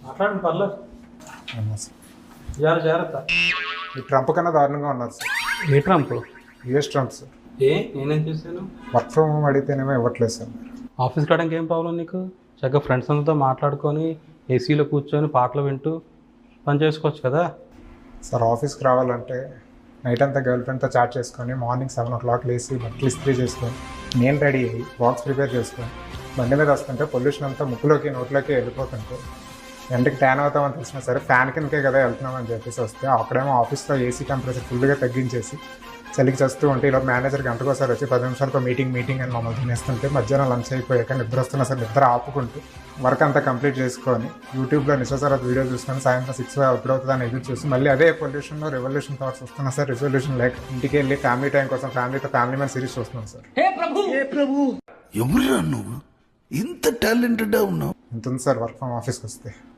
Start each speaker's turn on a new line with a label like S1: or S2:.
S1: మాట్లాడండి పర్లేదు.
S2: అవునా సార్.
S1: జాగ్రత్త.
S2: ఈ ట్రంప్ కన్నా దారుణంగా ఉన్నారు సార్.
S1: ఏ ట్రంప్?
S2: US Trump sir.
S1: నేనేం చేశాను?
S2: వర్క్ ఫ్రమ్ హోమ్ అడిగితేనేమో ఇవ్వట్లేదు సార్.
S1: ఆఫీస్కి రావడానికి ఏం ప్రాబ్లం నీకు? చక్కగా ఫ్రెండ్స్ అందరితో మాట్లాడుకొని ఏసీలో కూర్చొని పాటలు వింటూ పని చేసుకోవచ్చు కదా.
S2: సార్ ఆఫీస్కి రావాలంటే నైట్ అంతా గర్ల్ ఫ్రెండ్తో చాట్ చేసుకొని మార్నింగ్ 7 o'clock లేసి బట్టలు ఇస్త్రీ చేసుకొని నేను రెడీ అయ్యి బాక్స్ ప్రిపేర్ చేసుకొని బండి మీద వస్తుంటే పొల్యూషన్ అంతా ముక్కులోకి నోట్లోకి వెళ్ళిపోతుంటే ఎండకి ట్యాన్ అవుతామని తెలిసినా సరే ఫ్యాన్ కిందకే కదా వెళ్తున్నామని చెప్పేసి వస్తే అక్కడేమో ఆఫీస్లో ఏసీ టెంపరేచర్ ఫుల్గా తగ్గించేసి చలికి చేస్తూ ఉంటే ఇలా మేనేజర్ గంటకోసారి వచ్చి 10 నిమిషాలతో మీటింగ్ అని మమ్మల్ని తినేస్తుంటే మధ్యాహ్నం లంచ్ అయిపోయాక నిద్ర వస్తున్నా సరే నిద్ర ఆపుకుంటూ వర్క్ అంతా కంప్లీట్ చేసుకొని యూట్యూబ్లో నిశ్వసరాత్ వీడియో చూసుకొని సాయంత్రం 6 ఎప్పుడవుతుందని ఎదురు చూసి మళ్ళీ అదే పొల్యూషన్లో రెవల్యూషన్ థాట్స్ వస్తున్నా సార్. రిజల్యూషన్ లేక ఇంటికి వెళ్ళి ఫ్యామిలీ టైం కోసం ఫ్యామిలీతో ఫ్యామిలీ మ్యాన్ సిరీస్ చూస్తున్నాం సార్.
S3: ఎవరురా నువ్వు ఇంత టాలెంటెడ్ ఉన్నావు?
S2: ఎంత ఉంది సార్ వర్క్ ఫ్రమ్ ఆఫీస్కి వస్తే?